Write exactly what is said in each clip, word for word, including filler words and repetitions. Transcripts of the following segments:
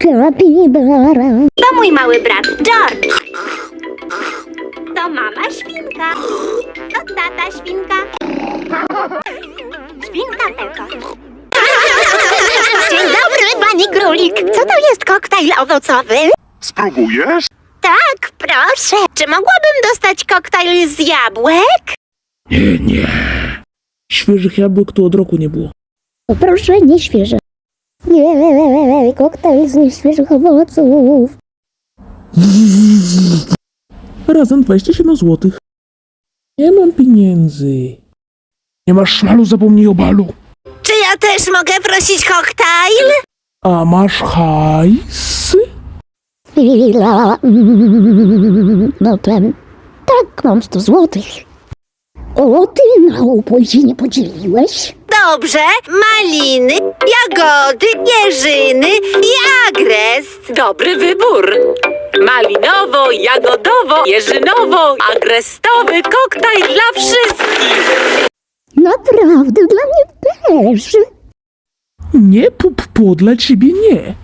Kapibara. To mój mały brat George. To mama świnka. To tata świnka. Świnka Peko. Dzień dobry, pani królik. Co to jest koktajl owocowy? Spróbujesz? Tak, proszę. Czy mogłabym dostać koktajl z jabłek? Nie, nie. Świeżych jabłek tu od roku nie było. Proszę, nie świeże. Nie, koktajl z nieświeżych owoców. Razem dwadzieścia siedem złotych. Nie mam pieniędzy. Nie masz szmalu, zapomnij o balu. Czy ja też mogę prosić koktajl? A masz hajs? Chwila. Mm, No ten. Tak, mam sto złotych. O, ty na upój się nie podzieliłeś? Dobrze. Maliny, jagody, jeżyny i agrest. Dobry wybór. Malinowo, jagodowo, jeżynowo, agrestowy koktajl dla wszystkich. Naprawdę, dla mnie też. Nie, pup, po, dla ciebie nie.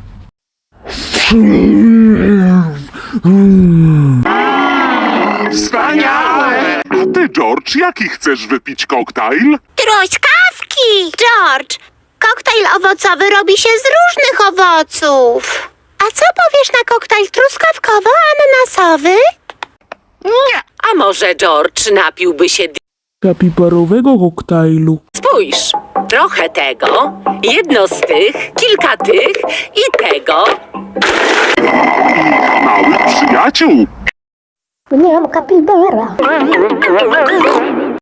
Wspaniałe! A ty, George, jaki chcesz wypić koktajl? Truskawki! George, koktajl owocowy robi się z różnych owoców. A co powiesz na koktajl truskawkowo-ananasowy? Nie. A może George napiłby się... d- Kapibarowego koktajlu. Spójrz, trochę tego, jedno z tych, kilka tych i tego. Małych przyjaciół. Nie mam kapibara.